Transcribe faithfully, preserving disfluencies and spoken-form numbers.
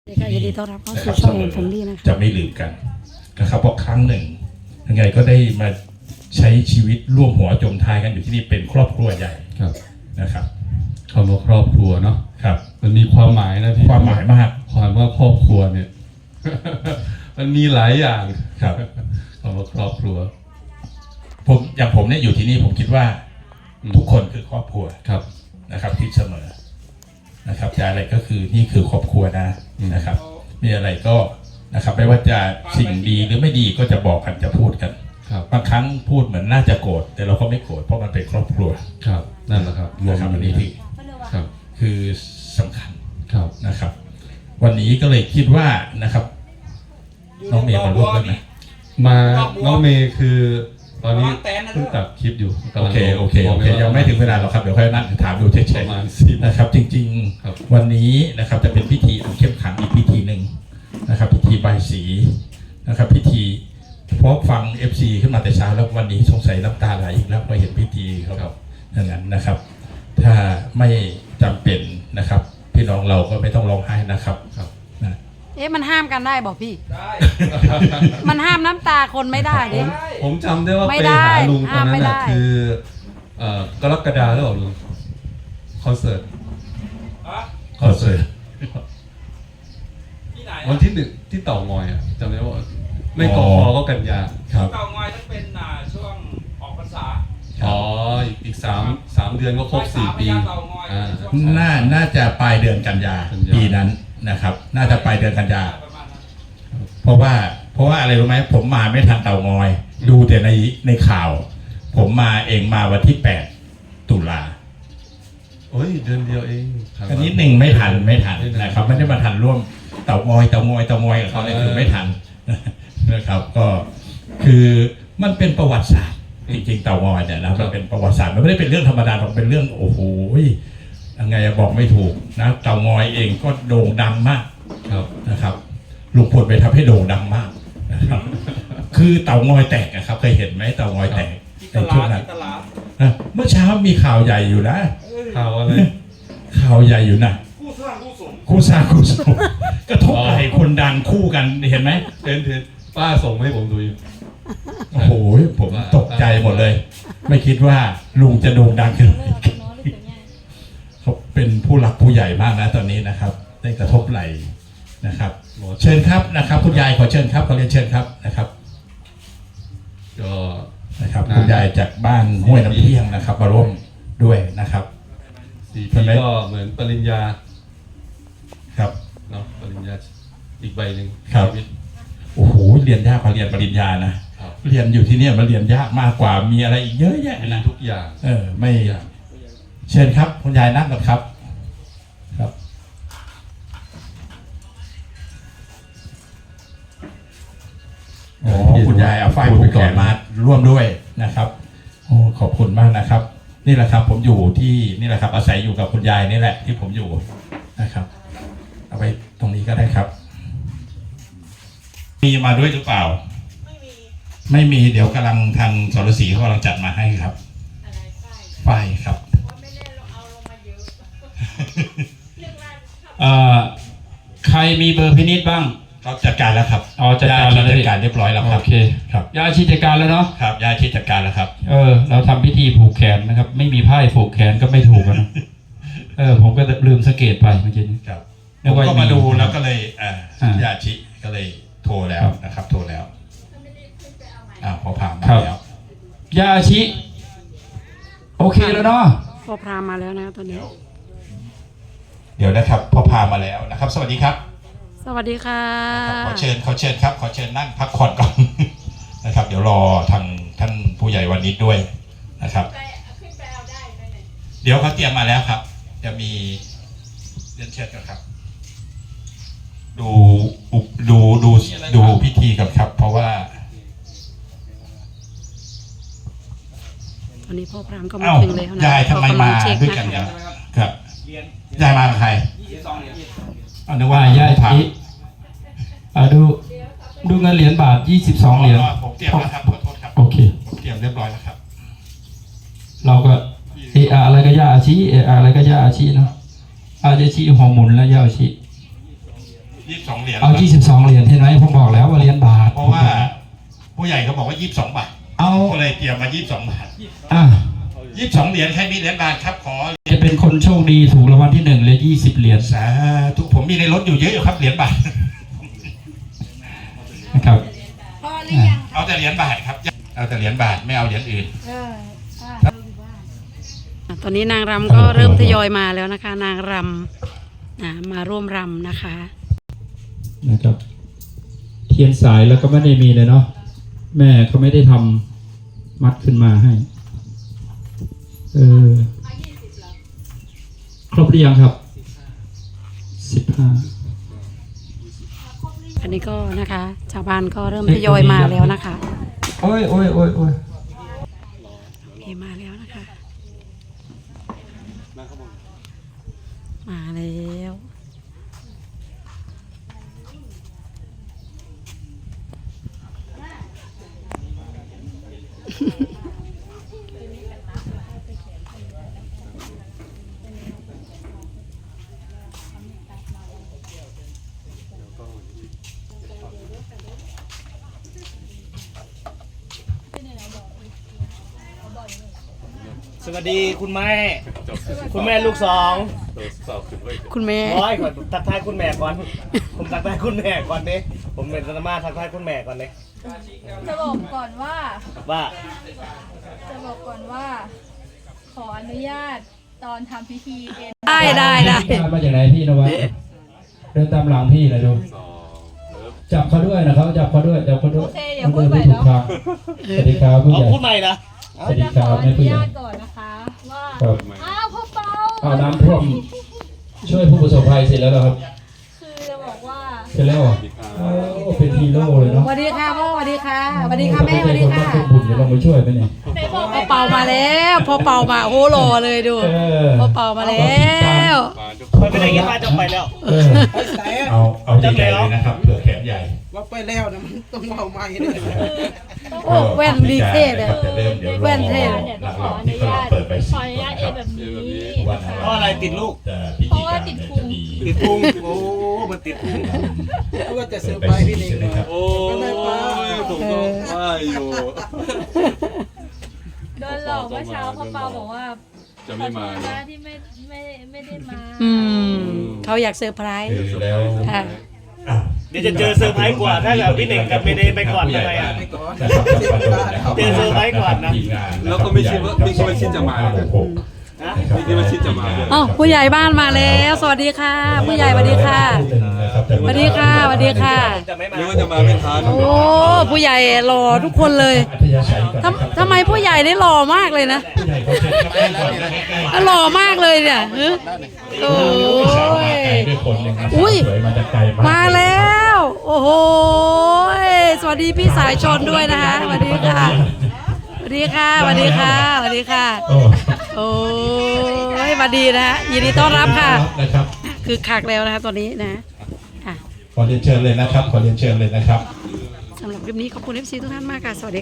เด็กยินดีต้อนรับเข้าสู่ช่องแฟมิลี่นะคะจะไม่ลืมกันนะครับเพราะครั้งหนึ่งยังไงก็ได้มาใช้ชีวิตร่วมหัวจมท้ายกันอยู่ที่นี่เป็นครอบครัวใหญ่นะครับคำว่าครอบครัวเนาะครับมันมีความหมายนะพี่ความหมายมากความว่าครอบครัวเนี่ย มันมีหลายอย่างครับคำว่าครอบครัวผมอย่างผมเนี่ยอยู่ที่นี่ผมคิดว่าทุกคนคือครอบครัวครับนะครับคิดเสมอนะครับจะอะไรก็คือนี่คือครอบครัวนะนะครับมีอะไรก็นะครับไม่ว่าจะสิ่งดีหรือไม่ดีก็จะบอกกันจะพูดกันบางครั้งพูดเหมือนน่าจะโกรธแต่เราก็ไม่โกรธเพราะมันเป็นครอบครัวครับนั่นแหละครับนะครับอันนี้ที่ครับคือสำคัญครับนะครับ วันนี้ก็เลยคิดว่านะครับน้องเมย์มาร่วมด้วยไหมมาน้องเมย์คือตอนนี้เพิ่งตัดคลิปอยู่โอเคโอเคโอเคยังไม่ถึงเวลาหรอกครับเดี๋ยวค่อยนั่งถามดูเฉยๆนะครับจริงๆวันนี้นะครับจะเป็นพิธีอันเข้มขังอีกพิธีหนึ่งนะครับพิธีใบสีนะครับพิธีเพราะฟัง เอฟ ซี ขึ้นมาแต่เช้าแล้ววันนี้สงสัยน้ำตาไหลอีกแล้วพอเห็นพิธีเขาอย่างนั้นนะครับถ้าไม่จำเป็นนะครับพี่น้องเราก็ไม่ต้องร้องไห้นะครับนะเอ๊ะมันห้ามกันได้บอกพี่มันห้ามน้ำตาคนไม่ได้ดิผมจำได้ว่าไปหาลุงตอนนั้นน่ะคือกรกฎาคมหรือเปล่าลุงคอนเสิร์ตคอนเสิร์ตวันที่หนึ่งที่เต่างอยอ่ะจำได้ว่าไม่กอพอก็กันยาครับเต่างอยต้องเป็นช่วงออกพรรษาอ๋ออีกสามสามเดือนก็ครบสี่ปีน่าน่าจะปลายเดือนกันยาปีนั้นนะครับน่าจะปลายเดือนกันยาเพราะว่าเพราะว่าอะไรรู้ไหมผมมาไม่ทันเต่างอยดูแต่ในในข่าวผมมาเองมาวันที่แปดตุลาโอ้ยเดือนเดียวเองอันนี้หนึ่งไม่ทันไม่ทันนะครับไม่ได้มาทันร่วมเต่างอยเต่างอยเต่างอยกับเขาเลยคือไม่ทันนะครับก็คือมันเป็นประวัติศาสตร์จริงๆเต่างอยเนี่ยนะมันเป็นประวัติศาสตร์มันไม่ได้เป็นเรื่องธรรมดามันเป็นเรื่องโอ้โหยังไงบอกไม่ถูกนะเต่างอยเองก็โด่งดังมากนะครับลุงพลไปทำให้โด่งดังมากนะครับคือเต่างอยแตกนะครับเคยเห็นไหมเต่างอยแตกในช่วงนั้นเมื่อเช้ามีข่าวใหญ่อยู่นะข่าวอะไรข่าวใหญ่อยู่นะคู่สร้างคู่สมคู่สร้างคู่สมกระทบไหล่คนดังคู่กันเห็นไหมเห็นเห็นป้าส่งให้ผมดูอยู่โอ้โหผมตกใจหมดเลยไม่คิดว่าลุงจะโด่งดังขึ้นเขาเป็นผู้หลักผู้ใหญ่มากนะตอนนี้นะครับได้กระทบไหล่นะครับเชิญครับนะครับคุณยายขอเชิญครับขอเรียนเชิญครับนะครับก็นะครับคุณยายจากบ้านห้วยน้ำเที่ยงนะครับมาร่วมด้วยนะครับสี่ปีก็เหมือนปริญญาครับเนาะปริญญาอีกใบหนึ่งครับโอ้โหเรียนยากกว่าเรียนปริญญานะเรียนอยู่ที่นี่มันเรียนยากมากกว่ามีอะไรอีกเยอะแยะนะทุกอย่างเออไม่เชิญครับคุณยายนั่งก่อนครับครับโอ้คุณยายเอาไฟผูกแขนมาร่วมด้วยนะครับโอ้ขอบคุณมากนะครับนี่แหละครับผมอยู่ที่นี่แหละครับอาศัยอยู่กับคุณยายนี่แหละที่ผมอยู่นะครับเอาไปตรงนี้ก็ได้ครับมีมาด้วยหรือเปล่าไม่มีไม่มีเดี๋ยวกำลังทางสรศรีเขากำลังจัดมาให้ครับอะไรไฟครับไม่เล่นเอาลงมาเยอะเอ่อใครมีเบอร์พินิจบ้างเขาจัดการแล้วครับอ๋อจัดการแล้วจัดการเรียบร้อยแล้วครับโอเคครับยาชีจัดการแล้วเนาะครับยาชีจัดการแล้วครับเออเราทำพิธีผูกแขนนะครับไม่มีไพ่ผูกแขนก็ไม่ถูกนะเออผมก็ลืมสังเกตไปเมื่อกี้ครับผมก็มาดูแล้วก็เลยอ่ายาชีก็เลยโทรแล้วนะครับโทรแล้วอ่าพอผ่านมาแล้วยาชีโอเคแล้วเนาะพอพามาแล้วนะตอนนี้เดี๋ยวนะครับพอพามาแล้วนะครับสวัสดีครับสวัสดีค่ะขอเชิญขอเชิญครับขอเชิญนั่งพักผ่อนก่อนนะครับเดี๋ยวรอทางท่านผู้ใหญ่วันนี้ด้วยนะครับเดี๋ยวเขาเตรียมมาแล้วครับจะมีเรียนเชิญกันครับดูดูดูดูพิธีกันครับเพราะว่าตอนนี้พ่อพรามก็มาถึงแล้วนะยายทำไมมาด้วยกันเนี่ยครับยายมากับใครเอาดูว่ายายทีอ่าดูดูเงินเหรียญบาทยี่สิบสองเหรียญผมเตรียมแล้วครับขอโทษครับโอเคเตรียมเรียบร้อยแล้วครับเราก็เอออะไรก็ย่าอาชีเอออะไรก็ย่าอาชีเนาะอาจจะชี้หัวหมุนแล้วย่าอาชียี่สิบสองเหรียญเอายี่สิบสองเหรียญเห็นไหมผมบอกแล้วว่าเหรียญบาทเพราะว่าผู้ใหญ่เขาบอกว่ายี่สิบสองบาทเอาก็เลยเตรียมมายี่สิบสองบาทอ่ะยี่สิบสองเหรียญใครมีเหรียญบาทครับขอจะเป็นคนโชคดีถูกรางวัลที่หนึ่งเลยยี่สิบเหรียญสาธุผมมีในรถอยู่เยอะอยู่ครับเหรียญบาทนะครับพอหรือยังเอาแต่เหรียญบาทครับเอาแต่เหรียญบาทไม่เอาเหรียญอื่นเออตอนนี้นางรำก็เริ่มทยอยมาแล้วนะคะ นางรำอ่ามาร่วมรำนะคะนะครับ เทียนสายแล้วก็ไม่ได้มีเลยเนาะแม่เขาไม่ได้ทำมัดขึ้นมาให้เออครบหรือยังครับสิบห้าอันนี้ก็นะคะชาวบ้านก็เริ่มทยอยมาแล้วนะคะโอ้ยโอ้ยโอ้ยโอ้ยโอเคมาแล้วนะคะ มาแล้วสวัสดีคุณแม่ คุณแม่ลูกสองคุณแม่ร้อยก่อนทักทายคุณแม่ก่อน ผมทักทายคุณแม่ก่อนดิผมเป็นธรรมาทักทายคุณแม่ก่อนดิจะบอกก่อนว่าว่าจะบอกก่อนว่า ขออนุญาตตอนทำพิธีเอ็นได้ได้ได้มาจากไหนพี่นวัดเดินตามหลังพี่เลยดูจับเขาด้วยนะครับจับเขาด้วยจับเขาด้วยโอเคเดี๋ยวพูดใหม่แล้วสวัสดีครับผู้เอาใหญ่พูดใหม่นะสวัสดีจะคขรัอบ อแม่นุผู้ใหญ่ญาตก่อนนะคะ ว่าครับอ้าวพ่อเปาเอาน้ำท่วมช่วยผู้ประสบภัยเสร็จแล้วเหรอครับคือจะบอกว่าเสร็จแล้วเหรอโอ้เป็นฮีโร่เลยเนาะสวัสดีค่ะพ่อสวัสดีค่ะสวัสดีค่ะแม่สวัสดีค่ะเป็นบุญเดี๋ยวลงไปช่วยไปเนี่ยไหนบอกพ่อเป่ามาแล้วพ่อเป่ามาโอ้โหหล่อเลยดูเออพ่อเป่ามาแล้วมันเป็นอย่างนี้ป้าจะไปแล้วเออเอาเอาใหญ่ๆเลยนะครับเผื่อแขนใหญ่ว่าไปแล้วนะมันต้องเอาไม้เลยโอ้แว่นดีเท่เลยจะเริ่มเดี๋ยวรอแว่นเท่เนี่ยหลัต้องงขอๆอที่นุเขาญาตเปิดใบขสีออนุญาตเอ็นแบบนี้วันเพราะอะไรติดลูกจะพิธีการเนี่ยจะดีติดพุงโอ้มันติดพุงแล้วก็จะเซอร์ไพรส์พี่เน่งหน่อยโอ้ยผมก็ว่าอยู่โดนหลอกเมื่อเช้าพ่อเปาบอกว่าจะไม่มาขอโทษนะนะที่ไม่ไม่ไม่ได้มาอืมเขาอยากเซอร์ไพรส์คือแล้วค่ะอ่ะเดี๋ยวจะเจอเซอร์ไพรส์กว่าถ้าแบบพี่เน่งกับเมเดย์ไปก่อนทำไมอ่ะไปก่อนนะครับจะประโดดนะครับเจอเซอร์ไพรส์ก่อนนะทีมงาแล้วก็ไม่คิดว่าไม่คิดว่าชิดจะมาห้หกหกนะนะครับไม่คิดว่าชิดจะมาด้วยอ๋อผู้ใหญ่บ้านมาแล้ว สวัสดีค่ะ ผู้ใหญ่สวัสดีค่ะ สวัสดีค่ะสวัสดีค่ะจะไม่มานึกว่าจะมาไม่ทันโอ้ผู้ใหญ่หล่อทุกคนเลยอัธยาศัยก่อนนะครับทำทำไมผู้ใหญ่ได้หล่อมากเลยนะผู้ใหญ่เขาเช็ดครับก่อนนะใกล้ๆอ่ะหล่อมากเลยเนี่ยฮะโอ้สาวมาไกลยด้วยคนหนึ่งนะอุ้ยสวยมาจากไกลมากมาแล้ว โอ้โหสวัสดีพี่สายชนด้วยนะคะสวัสดีค่ะสวัสดีค่ะสวัสดีค่ะสวัสดีค่ะโอ้โอ้ยสวัสดีนะฮะยินดีต้อนรับค่ะนะครับคือคักแล้วนะคะตอนนี้นะค่ะขอเรียนเชิญเลยนะครับ ขอเรียนเชิญเลยนะครับสำหรับคลิปนี้ขอบคุณเอฟซีทุกท่านมากค่ะสวัสดี